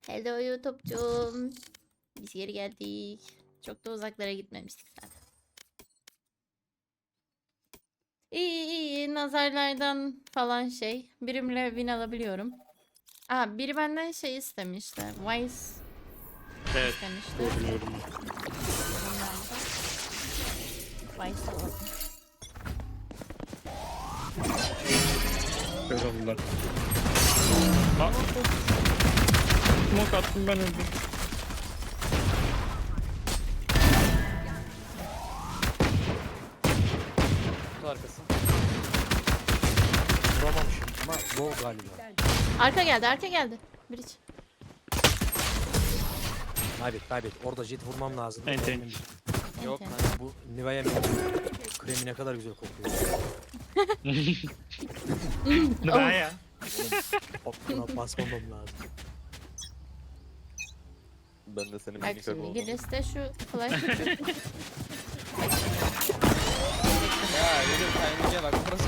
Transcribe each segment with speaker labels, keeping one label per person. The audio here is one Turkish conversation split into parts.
Speaker 1: Hello YouTube'cum. Biz geri geldik. Çok da uzaklara gitmemiştik zaten. İyi nazarlardan falan şey. Birimle win alabiliyorum. Aa, biri benden şey istemişti. Vice
Speaker 2: Evet.
Speaker 1: istemişti.
Speaker 2: Gördüm.
Speaker 1: Vice alalım.
Speaker 2: Kör oldular. Aa. Smoke attım ben öldüm.
Speaker 3: Kutu arkası. Vuramamışım ama low galiba.
Speaker 1: Arka geldi. Bridge.
Speaker 3: Kaybet. Orada jet vurmam lazım.
Speaker 2: Enten.
Speaker 3: Yok
Speaker 1: Enten.
Speaker 3: lan bu Nivea kremi ne kadar güzel kokuyor.
Speaker 2: Ne ya?
Speaker 3: Buna basmamam lazım.
Speaker 4: Ben de senin
Speaker 1: Bak
Speaker 4: minik
Speaker 1: şimdi
Speaker 4: oldum.
Speaker 1: Giles de şu flash tutuyor.
Speaker 3: Ya yürü timing'e bak burası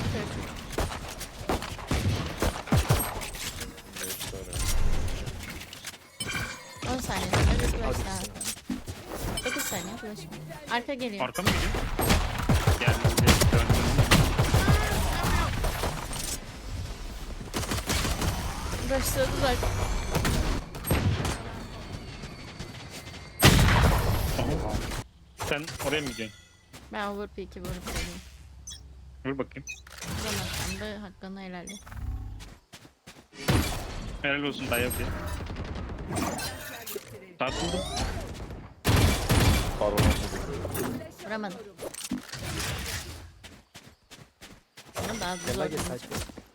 Speaker 4: Evet, sonra.
Speaker 1: 10 saniye sonra bir flash daha atalım. 9 saniye flash. Arka geliyor.
Speaker 2: Arka mı geliyor? Geldi. Döndüm.
Speaker 1: Başladılar.
Speaker 2: Aha. Sen oraya mı gidiyorsun?
Speaker 1: Ben overpeak'i vurup geleyim.
Speaker 2: Vur bakayım.
Speaker 1: Vuramazsam da hakkını helal et.
Speaker 2: Helal olsun dayak diye. Tartıldım.
Speaker 4: Pardon.
Speaker 1: Vuramadım. Ama daha
Speaker 3: Gel
Speaker 1: zor.
Speaker 3: gel saçma.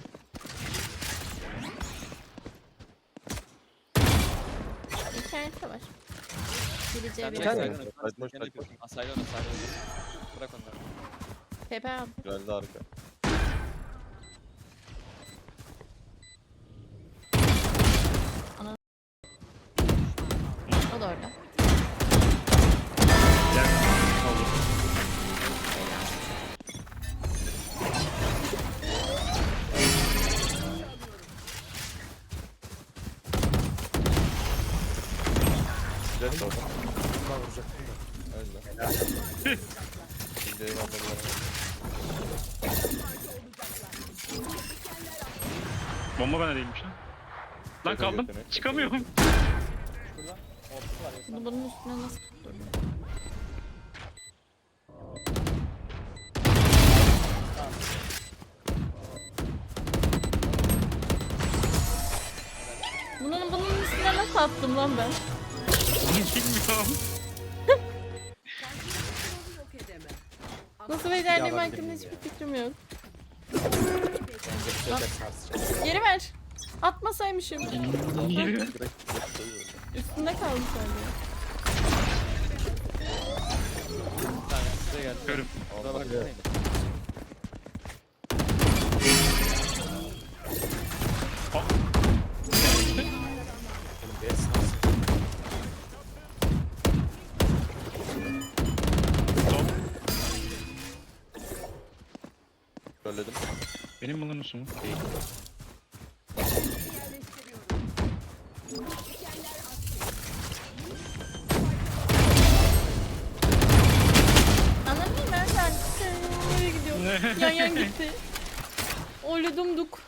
Speaker 1: İnternette var. Gireceği bir
Speaker 3: tane
Speaker 1: yer.
Speaker 3: mi?
Speaker 4: Kaçmış.
Speaker 3: Asayla bırak onları.
Speaker 1: Tepe aldı.
Speaker 4: Geldi arka.
Speaker 1: O da orada.
Speaker 2: Gel. Olur.
Speaker 4: Jet orada.
Speaker 3: Bunlar vuracaktım da.
Speaker 4: Öyle. Şimdi eyvallah.
Speaker 2: Bomba bana değilmiş lan. Lan kaldım.
Speaker 4: Yetenek.
Speaker 2: Çıkamıyorum.
Speaker 1: Bunun üstüne nasıl tutturdum? Bunun üstüne nasıl attım lan ben?
Speaker 2: Bilmiyorum.
Speaker 1: Nasıl becerdiğim
Speaker 3: Yalan
Speaker 1: hakkında
Speaker 3: bilmiyorum
Speaker 1: hiçbir fikrim yok.
Speaker 3: Bence bir sefer sarsacağız.
Speaker 1: Geri ver. Atmasaymışım.
Speaker 2: Niye?
Speaker 1: Üstünde kaldı sadece.
Speaker 3: Size geldi.
Speaker 2: Körüm.
Speaker 3: Orada bak. Oğlum biraz sarsın.
Speaker 2: Top.
Speaker 4: Söyledim.
Speaker 2: Benim bunun musun? Değil.
Speaker 1: Anladın mı? Ben nereye gidiyorum? Yan gitti. Oludumduk.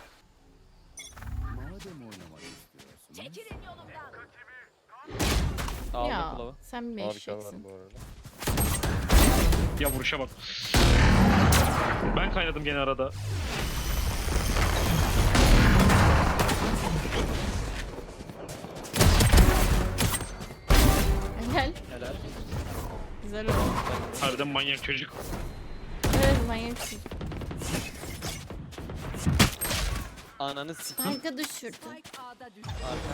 Speaker 3: Aldım
Speaker 1: Ya
Speaker 3: kulağı.
Speaker 1: sen bir
Speaker 4: Harika var
Speaker 1: eşeksin.
Speaker 4: bu arada.
Speaker 2: Ya vuruşa bak. Ben kaynadım gene arada.
Speaker 1: Gel.
Speaker 3: Helal.
Speaker 1: Güzel oldu.
Speaker 2: Harbiden manyak çocuk.
Speaker 1: Evet manyak çocuk.
Speaker 3: Ananı sikeyim.
Speaker 1: Spike'ı düşürdü.
Speaker 3: Arka.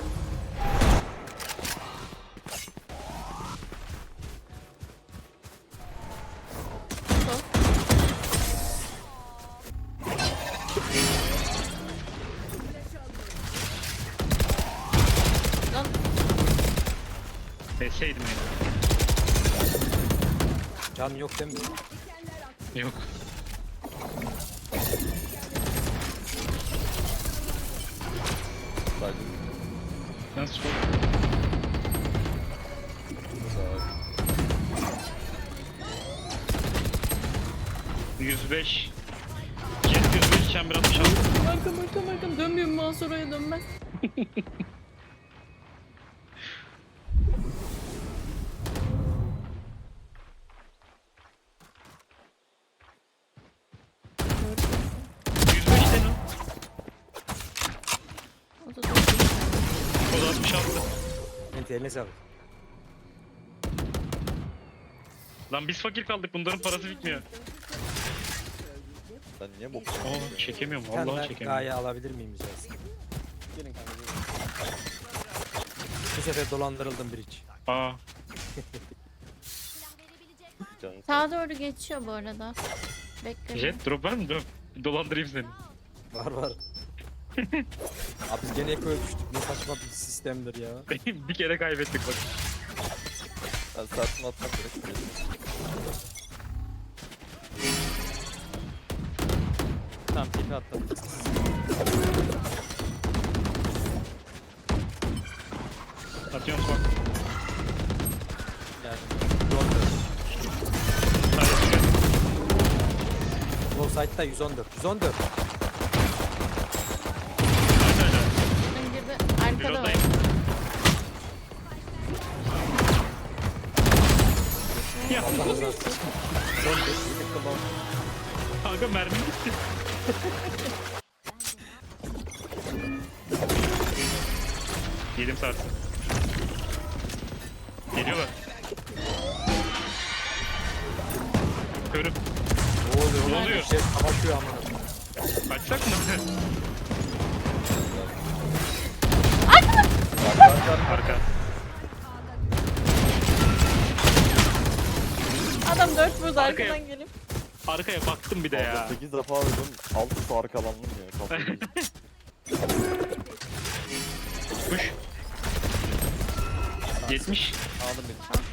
Speaker 1: Sol. Lan
Speaker 2: Deseydim ya.
Speaker 3: Can yok değil mi?
Speaker 2: Yok.
Speaker 4: Saydım.
Speaker 2: Nasıl? 105. Jet 105, chamber 66.
Speaker 1: Arkam. Dönmüyorum mouse oraya dönmez. Gördüm.
Speaker 2: 105 den o.
Speaker 1: O da dönüyor.
Speaker 2: O da 66.
Speaker 3: Enti eline sağlık.
Speaker 2: Lan biz fakir kaldık, bunların parası bitmiyor.
Speaker 4: Sen niye bok?
Speaker 2: Aa, çekemiyorum,
Speaker 3: Bir tane
Speaker 2: vallahi
Speaker 3: daha
Speaker 2: çekemiyorum.
Speaker 3: gaye alabilir miyim rica etsem?
Speaker 5: Gelin kanka gelin.
Speaker 3: Bu sefer dolandırıldım bridge.
Speaker 2: Aa,
Speaker 4: Canım.
Speaker 1: Sağa doğru geçiyor bu arada. Bekle.
Speaker 2: Jet drop var mı? Dur. Dolandırayım seni.
Speaker 3: Var. Abi biz gene ekoya düştük. Ne saçma bir sistemdir ya.
Speaker 2: Bir kere kaybettik bak.
Speaker 4: Ben saatimi atmak gerek.
Speaker 5: Tamam tipi atladım.
Speaker 2: Atıyorum bak.
Speaker 5: Geldim.
Speaker 3: Low side'da 114. 114.
Speaker 1: Ben girdi. Arkada var.
Speaker 2: Reload'dayım. Ya
Speaker 3: Allah razı olsun.
Speaker 2: kanka mermi gitti. Yedim sarsı. Geliyorlar. Körüm.
Speaker 3: Ne oluyor?
Speaker 2: Ne oluyor?
Speaker 3: Şey savaşıyor ama.
Speaker 2: Kaçsak mı? Arka.
Speaker 1: Adam 4 vurdu
Speaker 2: Arkaya.
Speaker 1: arkadan gelip.
Speaker 2: Arkaya baktım bir de ya.
Speaker 4: 8 defa öldüm. 6 arkalandım ya. Kafayı.
Speaker 2: Kuş. 70.
Speaker 5: Aldım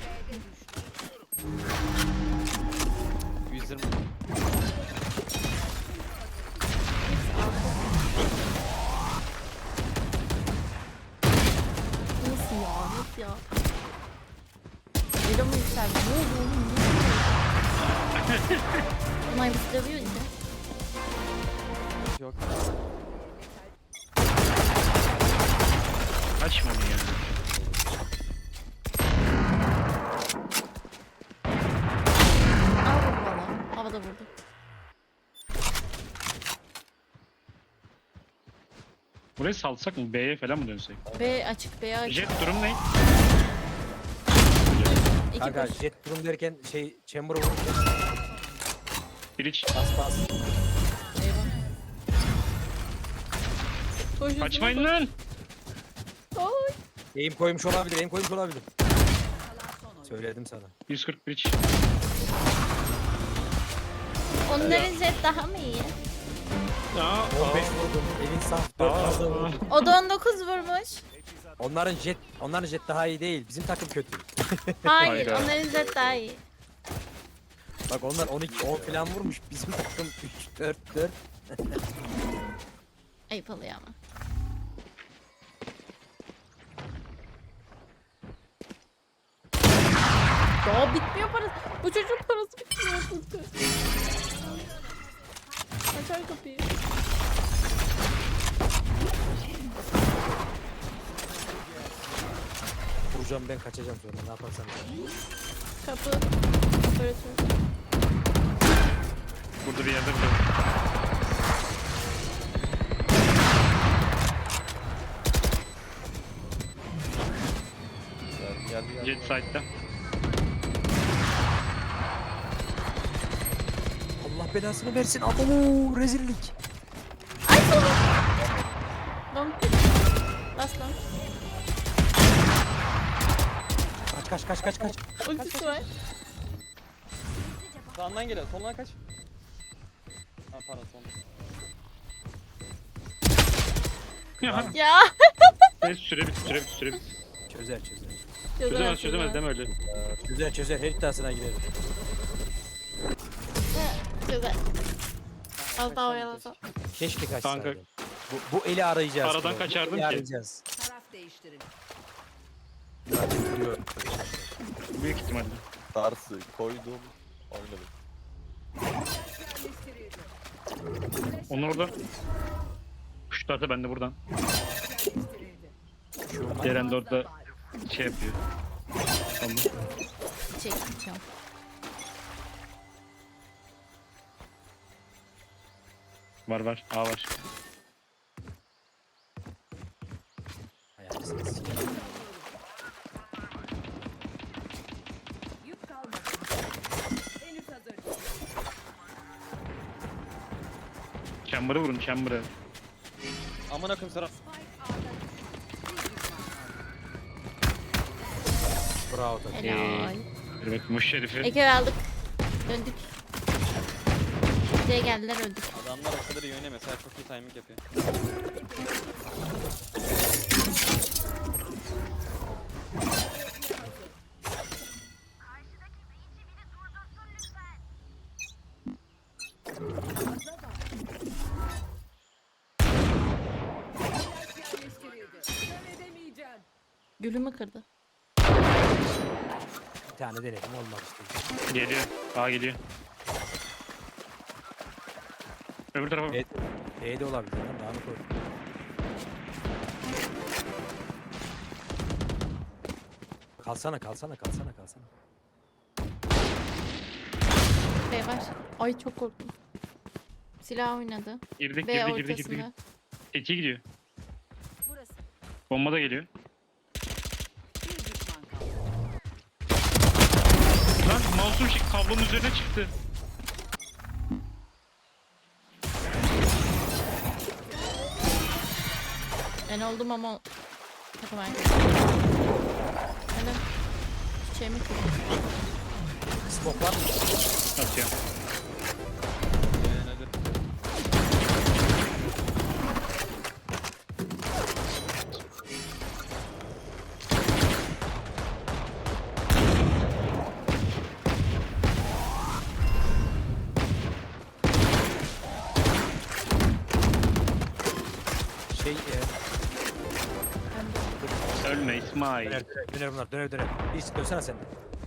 Speaker 5: beni. 120.
Speaker 1: Nasıl ya? Nasıl ya? Elo mu yükseldi? Ne oldu oğlum? Ne oldu? Onay bizi dövüyor işte.
Speaker 5: Yok.
Speaker 2: Açma onu ya.
Speaker 1: Al vurdu valla. Havada vurdu.
Speaker 2: Burayı salsak mı? B'ye falan mı dönsek?
Speaker 1: B açık, B açık.
Speaker 2: Jet durum ne?
Speaker 1: İki
Speaker 3: Kanka
Speaker 1: koş.
Speaker 3: jet durum derken şey chamber'ı vururken
Speaker 2: Bridge.
Speaker 3: bas.
Speaker 1: Eyvah. Koş
Speaker 2: Kaçmayın
Speaker 1: hızlı
Speaker 2: lan.
Speaker 1: koş. Oy.
Speaker 3: Aim koymuş olabilir. Söyledim sana.
Speaker 2: 140 bridge.
Speaker 1: Onların jet daha mı iyi?
Speaker 2: Aa,
Speaker 3: 15 vurdum. Elin saf 4 fazla vurdum.
Speaker 1: O da 19 vurmuş.
Speaker 3: Onların jet daha iyi değil. Bizim takım kötü.
Speaker 1: Hayır,
Speaker 2: Hayda.
Speaker 1: onların jet daha iyi.
Speaker 3: Bak onlar 12 10 falan vurmuş. Bizim takım 3 4 4.
Speaker 1: Ayıp oluyor ama. Daha bitmiyor parası. Bu çocuğun parası bitmiyor. Tuttu. Açar kapıyı.
Speaker 3: Vuracağım ben kaçacağım sonra. Ne yaparsan.
Speaker 1: Kapı. Operatör.
Speaker 2: burada bir yerde bile.
Speaker 4: Geldi.
Speaker 2: Jet side'da.
Speaker 3: Allah belasını versin. Abo rezillik.
Speaker 1: Ay sonu. Donk. Last donk.
Speaker 3: Kaç.
Speaker 1: Ultisi var.
Speaker 5: Sağından geliyor. Soluna kaç. Ha pardon soluna.
Speaker 2: Ya.
Speaker 1: Ya.
Speaker 2: Süre bit.
Speaker 3: Çözer.
Speaker 2: Çözemez deme öyle.
Speaker 3: Çözer. Her iddiasına girerim.
Speaker 1: Güzel. Az daha oyalasam.
Speaker 3: Keşke kaçsaydım.
Speaker 2: Kanka.
Speaker 3: Bu eli arayacağız.
Speaker 2: Aradan
Speaker 3: bu
Speaker 2: kaçardım
Speaker 3: eli
Speaker 2: ki.
Speaker 3: Arayacağız.
Speaker 6: Taraf değiştirin.
Speaker 3: Duruyorum.
Speaker 2: Büyük ihtimalle.
Speaker 4: Darsı koydum. Oynadım.
Speaker 2: Onlar orada. Kuşlarsa ben de buradan. Ceren de orada şey yapıyor. Tamam.
Speaker 1: Çekeceğim.
Speaker 2: Var. A var.
Speaker 3: Ayağınızı sikeyim.
Speaker 6: Yük kalmadı. Henüz hazır.
Speaker 2: Chamber'ı vurun chamber'ı.
Speaker 5: Amına koyayım Serap.
Speaker 3: Bravo takım.
Speaker 1: Helal.
Speaker 2: Evet muş şerifi.
Speaker 1: Eke aldık. Döndük. C'ye geldiler öldük.
Speaker 5: Adamlar o kadar iyi oynuyor mesela çok iyi timing yapıyor.
Speaker 6: Yerleştirildi. Kör edemeyeceğim.
Speaker 1: Gülümü kırdı.
Speaker 3: Bir tane denedim olmadı işte.
Speaker 2: Geliyor. A geliyor. Öbür tarafa.
Speaker 3: B de olabilir lan daha mı koy? Kalsana.
Speaker 1: B var. Ay çok korktum. Silah oynadı.
Speaker 2: Girdik.
Speaker 1: B ortasında.
Speaker 2: İki gidiyor.
Speaker 6: Burası.
Speaker 2: Bomba da geliyor.
Speaker 6: Bir düşman kaldı.
Speaker 2: Lan mouse'um kablonun üzerine çıktı.
Speaker 1: Ben oldum ama takım arkadaşım. Benim çiçeğimi kırdı.
Speaker 3: Smoke var mı?
Speaker 2: Atıyorum.
Speaker 5: Hadi.
Speaker 3: Şey
Speaker 2: Ölme İsmail.
Speaker 3: döner bunlar döner. Bir dönsene sen de.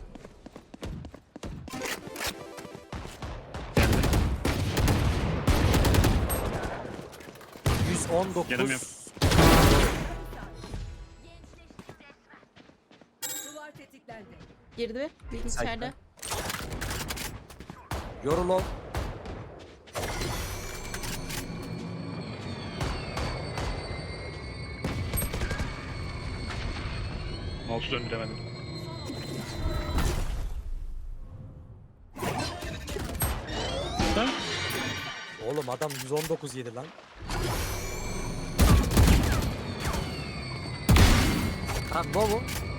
Speaker 2: Canım yok.
Speaker 3: 119.
Speaker 6: Duvar tetiklendi.
Speaker 1: Girdi. Bir içeride.
Speaker 3: Yorul ol.
Speaker 2: Mouse'u döndüremedim. Lan
Speaker 3: Oğlum adam 119 yedi lan. Ha ne bu?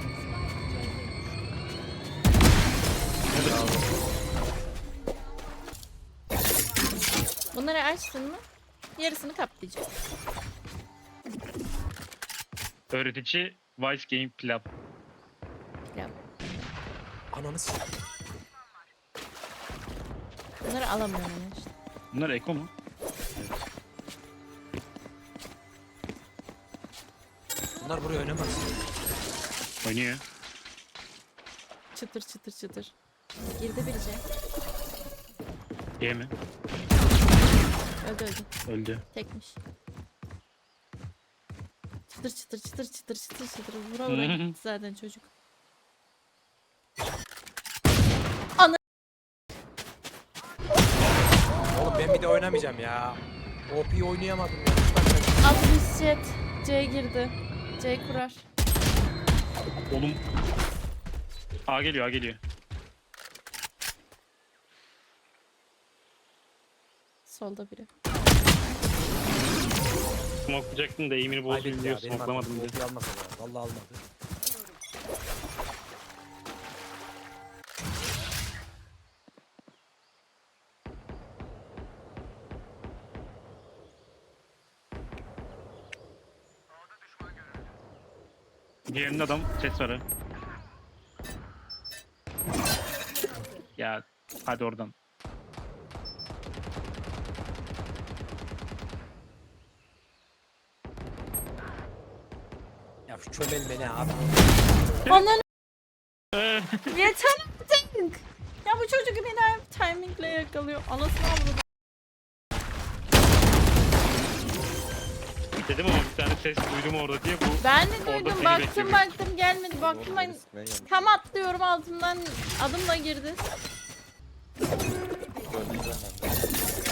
Speaker 1: Bunları açtın mı? Yarısını kaplayacak.
Speaker 2: öğretici Vice Game Club.
Speaker 1: Ya,
Speaker 3: Ananı s***.
Speaker 1: bunları alamıyorum ben işte.
Speaker 2: Bunlar Eko mu?
Speaker 3: Bunlar buraya oynamaz.
Speaker 2: Oynuyor.
Speaker 1: Çıtır çıtır çıtır. Girdi birice.
Speaker 2: G mi?
Speaker 1: Öldü.
Speaker 2: Öldü.
Speaker 1: Tekmiş. Çıtır çıtır çıtır çıtır çıtır çıtır. Vura vura gitti zaten çocuk.
Speaker 3: Oğlum ben bir de oynamayacağım ya. OP oynayamadım ya.
Speaker 1: 60 jet. C girdi. C kurar.
Speaker 2: Oğlum. A geliyor.
Speaker 1: Solda biri.
Speaker 2: Smoklayacaktın da eğimini bozmayayım diyor. Smoklamadım diye.
Speaker 3: OP almadı ya. Vallahi almadı.
Speaker 2: Diğerinde adam ses var ha. Ya hadi oradan.
Speaker 3: Ya şu çömel beni abi.
Speaker 1: Ananı yeter artık. Ya bu çocuk beni hep timingle yakalıyor. Anasını avradı.
Speaker 2: Dedim ama bir tane ses duydum orada diye bu
Speaker 1: Ben de
Speaker 2: Orada
Speaker 1: duydum,
Speaker 2: seni
Speaker 1: baktım
Speaker 2: bekliyorum.
Speaker 1: baktım gelmedi, baktım
Speaker 4: Doğru,
Speaker 1: ben
Speaker 4: birisi ben yanlış
Speaker 1: tam atlıyorum altından adımla girdi.
Speaker 4: söyleyeceğim ben de.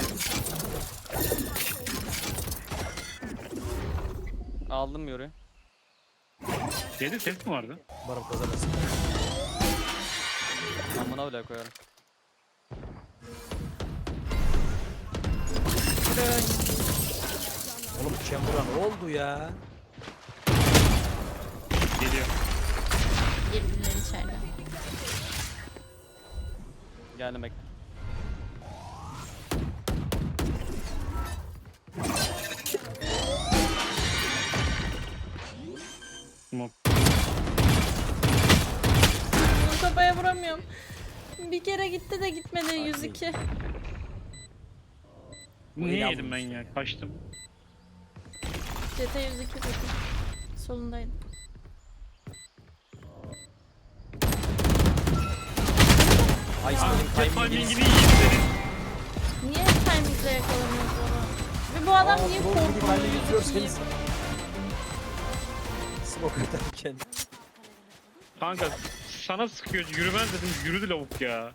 Speaker 5: Aldım yoruyu.
Speaker 2: Şeyde ses mi vardı?
Speaker 3: Umarım kazanırsın.
Speaker 5: Amına bile koyarım.
Speaker 1: Buraya oynayayım.
Speaker 3: Oğlum Chamber'a ne oldu ya?
Speaker 2: Geliyor.
Speaker 1: Girdiler içeride.
Speaker 5: Geldim bekle.
Speaker 2: Smoke.
Speaker 1: Bunu kafaya vuramıyorum. Bir kere gitti de gitmedi 102.
Speaker 2: Bu niye yedim ben ya? Kaçtım.
Speaker 1: CT 102 kötü. Solundaydı.
Speaker 3: Ay
Speaker 2: Aa,
Speaker 3: senin
Speaker 2: timingini
Speaker 3: timing'iniz.
Speaker 2: yiyeyim senin.
Speaker 1: Niye timingle yakalamıyoruz baba? Ve bu adam niye korkuyor?
Speaker 3: Seniz. Smoke atarken.
Speaker 2: Kanka sana sıkıyor, yürümez dedim, yürüdü lavuk ya.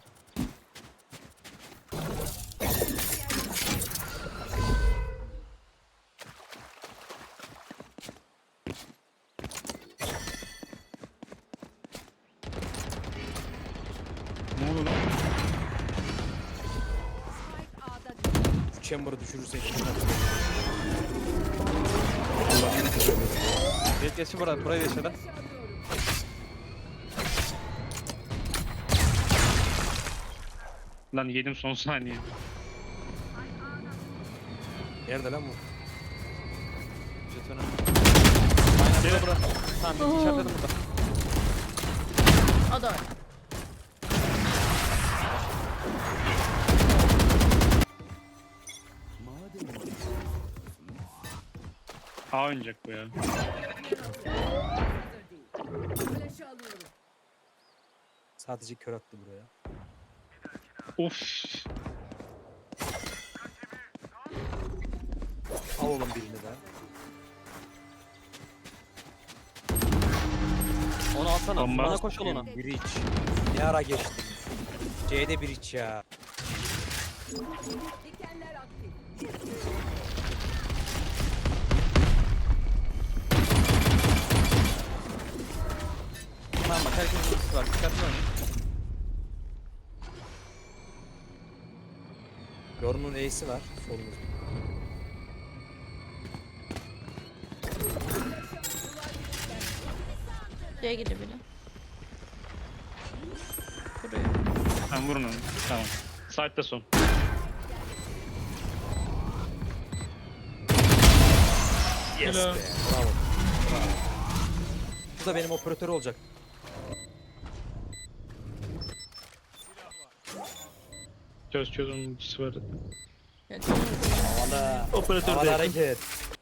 Speaker 2: Ne oldu lan?
Speaker 6: Spike A'da
Speaker 3: Şu Chamber'ı düşürürsek.
Speaker 5: Jet geçti burada. Burayı yaşadı.
Speaker 6: alıyorum.
Speaker 2: Lan yedim son saniye.
Speaker 3: Nerede lan bu?
Speaker 5: Jet önünde. Aynen burada burada. Tamam
Speaker 1: Oo.
Speaker 5: işaretledim burada.
Speaker 1: O da orada.
Speaker 2: A oynayacak bu ya.
Speaker 6: Hazır değil. Flash'ı alıyorum.
Speaker 3: Sadece kör attı buraya.
Speaker 2: Of.
Speaker 3: Al oğlum birini de.
Speaker 5: Onu alsana.
Speaker 2: Bomba.
Speaker 5: Bana koş ol ona.
Speaker 3: Bridge. Ne ara geçti? C'de bridge ya.
Speaker 6: Dikenler aktif.
Speaker 5: Tamam bak herkesin ultisi var. Dikkatli oynayın.
Speaker 3: Yorunun E'si var. Solumuzda.
Speaker 1: C'ye gidiyor biri. Kuruyor.
Speaker 2: Sen vurun onu. Tamam. Side'da son.
Speaker 3: Yes
Speaker 2: Hello.
Speaker 3: be. Bravo. Bravo. Bu da benim operatör olacak.
Speaker 2: Çöz onun ultisi var.
Speaker 3: Havada.
Speaker 2: Operatör
Speaker 3: Havada
Speaker 2: değil.
Speaker 3: hareket.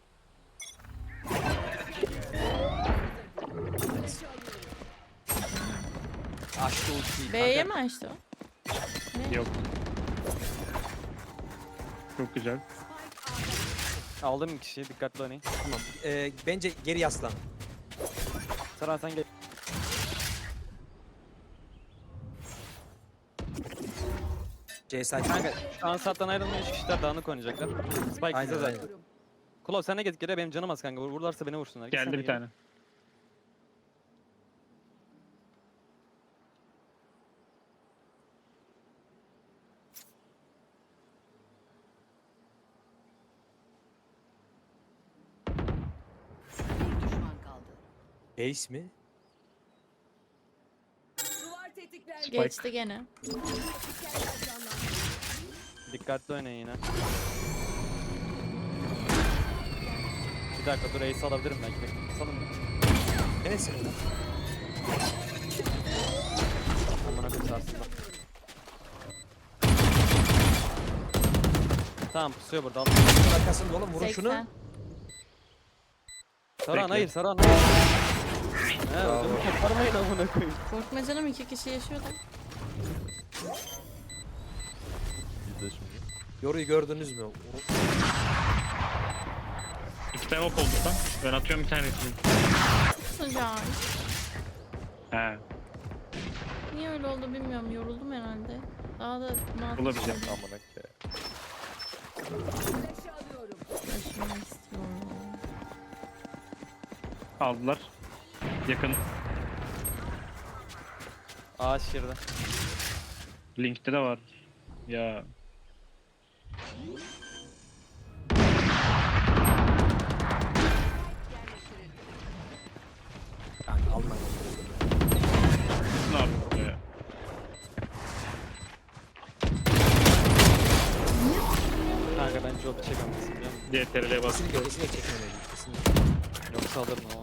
Speaker 3: Açtı ultiyi.
Speaker 1: B'ye mi açtı o?
Speaker 2: Yok. Çok güzel.
Speaker 5: Aldım bir kişiyi. Dikkatli oynayın.
Speaker 3: Tamam. Bence geri yaslan.
Speaker 5: Saran sen gel.
Speaker 3: C side.
Speaker 5: Kanka şu an sattan ayrılmıyor. 3 kişiler dağınık oynayacaklar. Spike
Speaker 3: Aynen,
Speaker 5: bize zaten.
Speaker 3: aynen.
Speaker 5: Klov sen de git geriye benim canım az kanka. Vururlarsa beni vursunlar. Git sen
Speaker 2: Geldi
Speaker 5: de
Speaker 2: bir
Speaker 5: geri.
Speaker 2: tane.
Speaker 6: Bir düşman kaldı.
Speaker 3: Base mi?
Speaker 6: Duvar tetiklendi.
Speaker 1: Geçti gene.
Speaker 6: Dikenler canlandı.
Speaker 5: Dikkatli oynayın yine. Bir dakika dur ace alabilirim belki. Bekle. Salın mı?
Speaker 3: Neresi?
Speaker 5: Amına koyayım sarsın. Tamam pusuyor burada. Al.
Speaker 3: Bunun arkasında oğlum vurun şunu.
Speaker 1: 80.
Speaker 5: Saran
Speaker 2: Bekle.
Speaker 5: hayır Saran hayır. He ödümü koparmayın amına koyayım.
Speaker 1: Korkma canım, 2 kişi yaşıyor da.
Speaker 4: İzle şimdi.
Speaker 3: Yoruyu gördünüz mü?
Speaker 2: Sistem ok oldu lan. Ben atıyorum bir tanesini.
Speaker 1: Sıcak.
Speaker 2: He.
Speaker 1: Niye öyle oldu bilmiyorum. Yoruldum herhalde. Daha da
Speaker 2: Olabilir.
Speaker 4: Amına ke.
Speaker 6: Flash'ı alıyorum.
Speaker 1: Taşımak istiyorum.
Speaker 2: Aldılar. Yakın.
Speaker 5: Ağaç girdi.
Speaker 2: Link'te de var. Ya.
Speaker 3: Kanka alma.
Speaker 2: Ne yapıyor ya?
Speaker 5: Kanka ben job çekemezsin biliyor musun?
Speaker 2: DTRL'e bas.
Speaker 3: Kesinlikle çekmemeliyim. Kesinlikle.
Speaker 5: Yoksa alırım ama.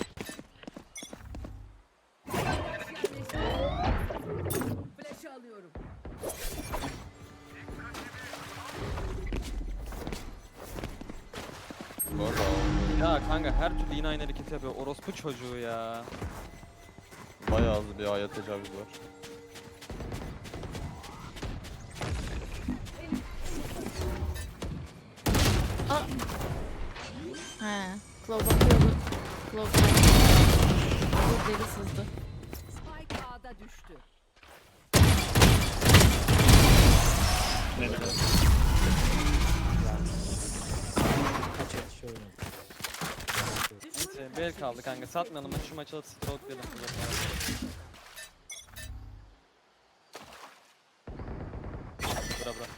Speaker 6: Flash'ı alıyorum.
Speaker 4: Valla
Speaker 5: Ya kanka her türlü yine aynı hareket yapıyor. Orospu çocuğu ya.
Speaker 4: bayağı az bir aya tecavüz var.
Speaker 1: Aa. He. Claw bakıyordu. Claw Bu deli sızdı.
Speaker 6: Spike A'da düştü.
Speaker 2: Ne demek?
Speaker 3: Kaç et şöyle.
Speaker 5: Neyse bel kaldı kanka. Satmayalım hadi şu maçı alıp strokelayalım. Bura bura.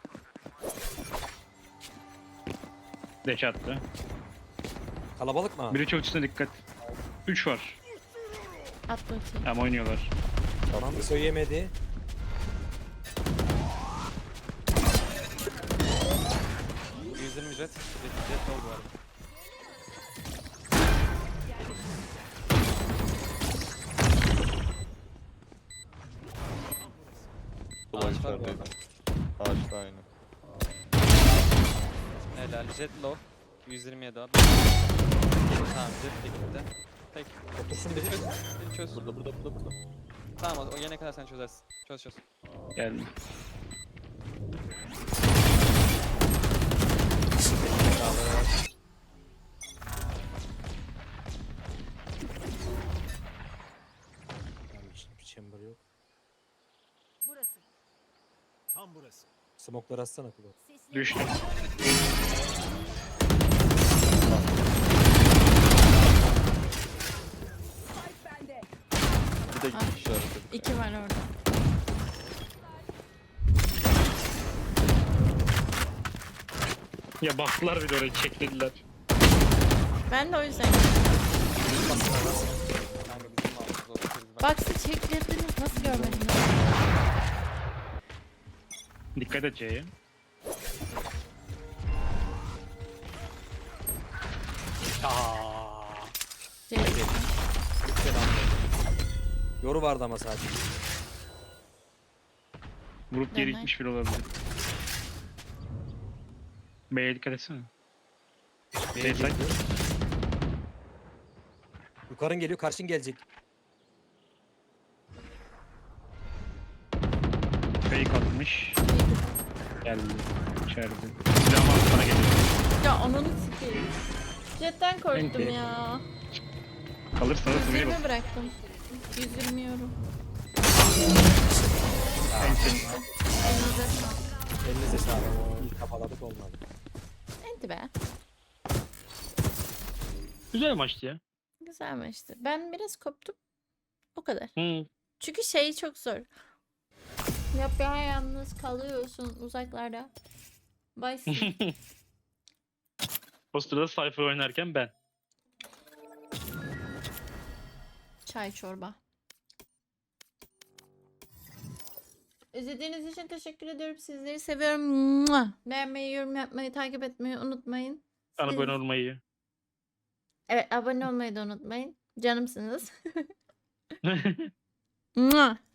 Speaker 2: Deş attı.
Speaker 3: Kalabalık mı?
Speaker 2: Biri çok üstüne dikkat. 3 var.
Speaker 1: At bakayım.
Speaker 2: Ama oynuyorlar.
Speaker 3: Tamam söyleyemedi.
Speaker 5: %20 jet. Jet oldu bu arada.
Speaker 4: Ulan
Speaker 5: Ağaçlar bu
Speaker 4: içerideydi.
Speaker 5: arada.
Speaker 4: Ağaçta aynı.
Speaker 5: Helal. Jet low. 127 abi. Tamam jet de gitti. Tek.
Speaker 3: Otursun biri.
Speaker 5: Bir çöz.
Speaker 4: Burada.
Speaker 5: Tamam o yene kadar sen çözersin. Çöz.
Speaker 2: Geldim.
Speaker 3: Yanlış. Bir chamber yok.
Speaker 6: Burası.
Speaker 3: Smoke'ları atsana kulağı.
Speaker 6: Sesli.
Speaker 2: Düştü.
Speaker 6: Spike bende.
Speaker 4: Bir de iki kişi arası.
Speaker 1: 2 var orada.
Speaker 2: Ya baktılar bir de oraya çeklediler.
Speaker 1: Ben de o yüzden.
Speaker 5: Kanka bizim mouse'umuz oldu.
Speaker 1: Baksı çektirdiniz. Nasıl görmediniz?
Speaker 2: Dikkat et C'ye.
Speaker 1: Cevdet.
Speaker 3: Yoru vardı ama sadece.
Speaker 2: Vurup geri
Speaker 1: Dönme.
Speaker 2: gitmiş biri olabilir. B'ye dikkat etsene.
Speaker 3: B'ye
Speaker 2: Backside.
Speaker 3: geliyor. Yukarın geliyor, karşın gelecek.
Speaker 2: Fake atmış. Geldi. İçeride. Silahımı alıp bana geliyor.
Speaker 1: Ya ananı sikeyim. Jetten korktum
Speaker 3: Peki.
Speaker 1: ya.
Speaker 2: Kalırsanız buraya bak.
Speaker 1: 120 bıraktım. 120 euro.
Speaker 2: Ensin.
Speaker 1: Elinize sağlık.
Speaker 3: Elinize sağlık. İyi kafaladık olmadı.
Speaker 1: Hadi be.
Speaker 2: Güzel maçtı ya.
Speaker 1: Güzel maçtı. Ben biraz koptum. O kadar.
Speaker 2: Hı.
Speaker 1: Çünkü şey çok zor. Yalnız kalıyorsun uzaklarda. Baysın.
Speaker 2: O sırada Cypher oynarken ben.
Speaker 1: Çay çorba. İzlediğiniz için teşekkür ediyorum. Sizleri seviyorum. Mua! Beğenmeyi, yorum yapmayı, takip etmeyi unutmayın.
Speaker 2: Bana
Speaker 1: Siz-
Speaker 2: abone olmayı.
Speaker 1: Evet, abone olmayı da unutmayın. Canımsınız. Mua!